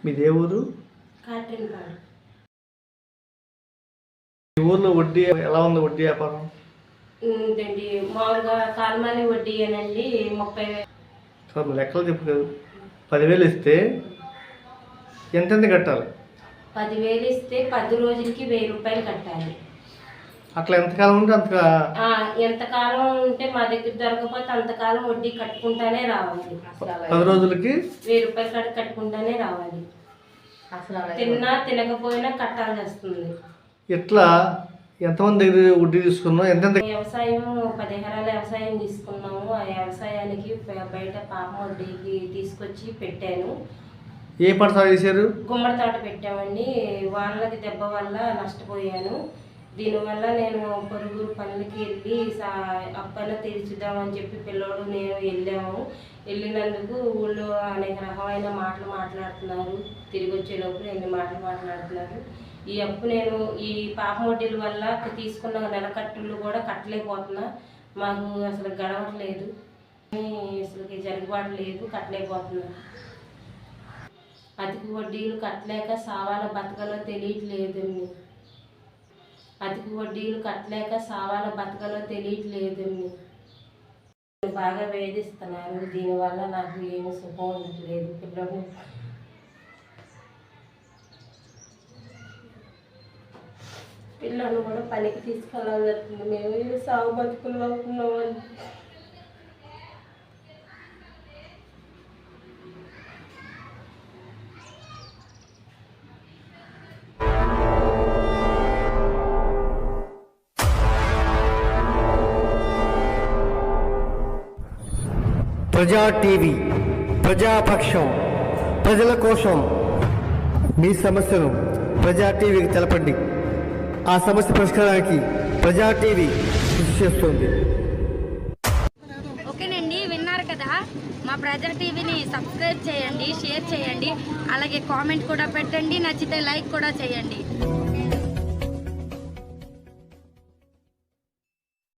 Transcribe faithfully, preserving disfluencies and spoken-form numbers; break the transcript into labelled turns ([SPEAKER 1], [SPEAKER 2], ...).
[SPEAKER 1] మీదే ఊరు?
[SPEAKER 2] కాట్రింగ్పాడు.
[SPEAKER 1] ఈ ఊర్లో వడ్డీ ఎలా ఉంది? వడ్డీ వ్యాపారం
[SPEAKER 2] ఉందండి. మామూలుగా కాలమాని వడ్డీ అనండి ముప్పై వేలు.
[SPEAKER 1] సార్ లెక్కలు చెప్పు కదా. పదివేలు ఇస్తే ఎంతెంత కట్టాలి?
[SPEAKER 2] పదివేలు ఇస్తే పది రోజులకి వెయ్యి రూపాయలు కట్టాలి.
[SPEAKER 1] అట్లా ఎంతకాలం ఉంటే అంత
[SPEAKER 2] ఎంతకాలం ఉంటే మా దగ్గర దొరకకపోతే అంతకాలం వడ్డీ కట్టుకుంటానే రావాలి.
[SPEAKER 1] పది రోజులకి
[SPEAKER 2] వెయ్యి రూపాయలు కట్టి కట్టుకుంటానే రావాలి. తిన్నా తినకపోయినా కట్టాల్సి వస్తుంది.
[SPEAKER 1] ఇట్లా ఎంతమంది దగ్గర వడ్డీ తీసుకున్నాం? ఎంతెంత
[SPEAKER 2] వ్యవసాయం పది ఎకరాల వ్యవసాయం తీసుకున్నాము. ఆ వ్యవసాయానికి బయట పాప వడ్డీకి తీసుకొచ్చి పెట్టాను.
[SPEAKER 1] ఏ పంట సాగు చేశారు?
[SPEAKER 2] గుమ్మడి తోట పెట్టామండి. వానలకి దెబ్బ వల్ల నష్టపోయాను. దీనివల్ల నేను పొరుగు పనులకి వెళ్ళి సా అప్పన తీర్చుదామని చెప్పి పిల్లోడు నేను వెళ్ళాము. వెళ్ళినందుకు ఊళ్ళో అనేక రకమైన మాటలు మాట్లాడుతున్నారు. తిరిగి వచ్చేలోపు ఎన్ని మాటలు మాట్లాడుతున్నారు. ఈ అప్పు నేను ఈ పాప వడ్డీల వల్ల తీసుకున్న నెలకట్టులు కూడా కట్టలేకపోతున్నా. మాకు అసలు గడవట్లేదు, అసలుకి జరుగుబాటు లేదు, కట్టలేకపోతున్నా. అధిక వడ్డీలు కట్టలేక సావాల బతకలో తెలియట్లేదండి. అధిక వడ్డీలు కట్టలేక సావాల బతకలో తెలియట్లేదండి. బాగా వేధిస్తున్నారు. దీనివల్ల నాకు ఏమి సుఖం ఉండట్లేదు. పిల్లలు పిల్లలు కూడా పనికి తీసుకెళ్ళాలి జరుగుతుంది. మేము సాగు బతుకులు అవుతున్నామని.
[SPEAKER 3] ప్రజా టీవీ ప్రజాపక్షం, ప్రజల కోసం. మీ సమస్యను ప్రజా టీవీకి తెలపండి. ఆ సమస్య పరిష్కారానికి ప్రజా టీవీ కృషి చేస్తుంది.
[SPEAKER 4] ఓకేనండి, విన్నారు కదా. మా ప్రజా టీవీని సబ్స్క్రైబ్ చేయండి, షేర్ చేయండి, అలాగే కామెంట్ కూడా పెట్టండి. నచ్చితే లైక్ కూడా చేయండి.